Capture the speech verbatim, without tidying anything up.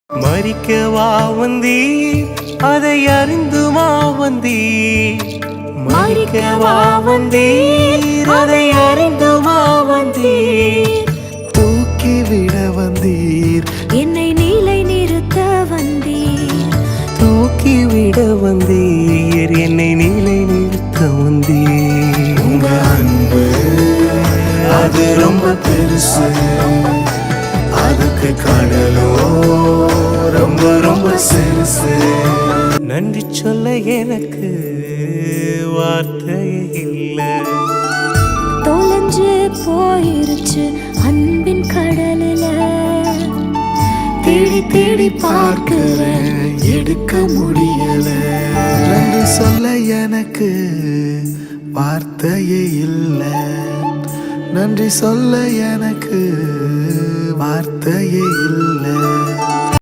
மறிக்கவா வந்தீர், அதை அறிந்துமா வந்தீர். மறிக்கவா வந்தீர், அதை அறிந்துமா வந்தீர். தூக்கிவிட வந்தீர், என்னை நிலை நிறுத்த வந்தீர். தூக்கிவிட வந்தீர், என்னை நிலை நிறுத்த வந்தீர். உங்க அன்பு அது ரொம்ப பெருசு, அதுக்கு கடலோ ரொம்ப ரொம்ப சிறுசு. நன்றி சொல்ல எனக்கு வார்த்தையே இல்லை. தொலைஞ்சு போயிருச்சு அன்பின் கடலில, தேடி தேடி பார்க்கிறேன், எடுக்க முடியல. நன்றி சொல்ல எனக்கு வார்த்தையே இல்லை. நன்றி சொல்ல எனக்கு வார்த்தையே இல்லை.